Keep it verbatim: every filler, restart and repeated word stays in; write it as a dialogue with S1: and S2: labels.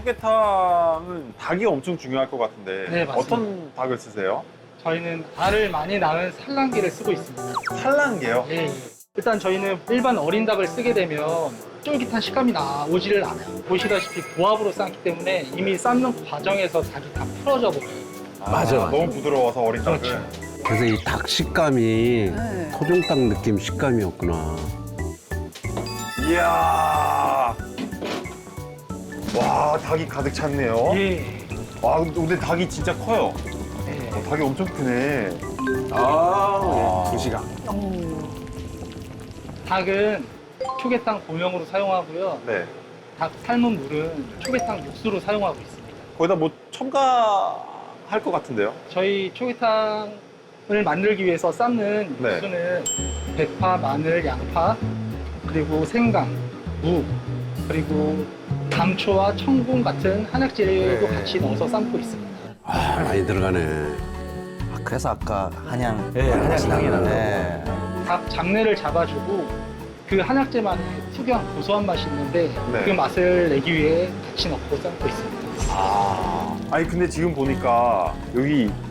S1: 초계탕은 닭이 엄청 중요할 것 같은데
S2: 네, 맞습니다.
S1: 어떤 닭을 쓰세요?
S2: 저희는 알을 많이 낳은 산란기를 쓰고 있습니다.
S1: 산란게요?
S2: 예, 예. 일단 저희는 일반 어린 닭을 쓰게 되면 쫄깃한 식감이 나오지를 않아요. 보시다시피 고압으로 삶기 때문에 이미 삶는 과정에서 닭이 다 풀어져 버려요.
S1: 아,
S3: 맞아, 맞아.
S1: 너무 부드러워서 어린 닭은.
S2: 그렇죠.
S3: 그래서 이 닭 식감이
S4: 네.
S3: 토종닭 느낌 식감이었구나.
S1: 이야. 와, 닭이 가득 찼네요.
S2: 예.
S1: 와, 근데 닭이 진짜 커요.
S2: 예.
S1: 어, 닭이 엄청 크네.
S3: 아,
S1: 두
S3: 시간.
S2: 닭은 초계탕 고명으로 사용하고요.
S1: 네.
S2: 닭 삶은 물은 초계탕 육수로 사용하고 있습니다.
S1: 거기다 뭐 첨가할 것 같은데요?
S2: 저희 초계탕을 만들기 위해서 삶는
S1: 네.
S2: 육수는 대파, 마늘, 양파, 그리고 생강, 무, 그리고 감초와 청분 같은 한약재료도
S1: 네.
S2: 같이 넣어서 삶고 있습니다.
S3: 아, 많이 들어가네.
S5: 아, 그래서 아까 한양
S3: 예, 한약
S5: 맛이
S3: 향이
S5: 나는
S3: 나는
S5: 네.
S2: 닭 잡내를 잡아주고 그 한약재만의 특유한 고소한 맛이 있는데
S1: 네.
S2: 그 맛을 내기 위해 같이 넣고 삶고 있습니다.
S1: 아. 아니, 근데 지금 보니까 여기